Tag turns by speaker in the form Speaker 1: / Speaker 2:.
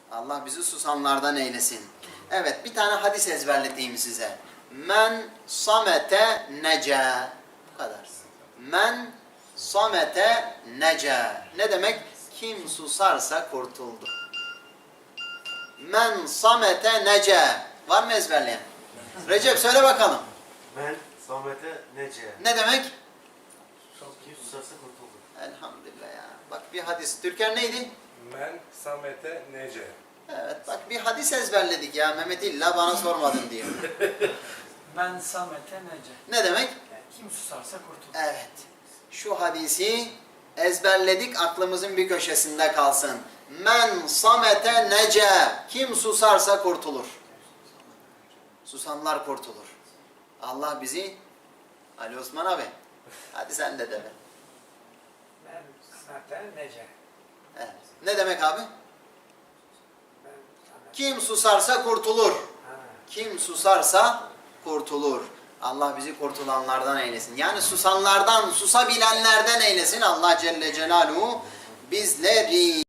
Speaker 1: Allah bizi susanlardan eylesin. Evet, bir tane hadis ezberleteyim size. Men samete nece. Bu kadar. Men samete nece. Ne demek? Kim susarsa kurtuldu. Men samete nece. Var mı ezberleyen? Recep söyle bakalım.
Speaker 2: Men samete nece.
Speaker 1: Ne demek?
Speaker 2: Kim susarsa kurtuldu.
Speaker 1: Elhamdülillah ya. Bak bir hadis. Türker neydi?
Speaker 3: Men samete nece.
Speaker 1: Evet bak bir hadis ezberledik ya. Mehmet illa bana sormadın diyor.
Speaker 4: Ben Samet'e nece.
Speaker 1: Ne demek?
Speaker 4: Kim susarsa kurtulur.
Speaker 1: Evet. Şu hadisi ezberledik, aklımızın bir köşesinde kalsın. Men samete nece. Kim susarsa kurtulur. Susanlar kurtulur. Allah bizi... Ali Osman abi. Hadi sen de de.
Speaker 4: Ben Samet'e nece.
Speaker 1: Evet. Ne demek abi?
Speaker 4: Ben Samet.
Speaker 1: Kim susarsa kurtulur.
Speaker 4: Ha.
Speaker 1: Kim susarsa kurtulur. Allah bizi kurtulanlardan eylesin. Yani susanlardan, susabilenlerden eylesin. Allah Celle Celaluhu bizleri.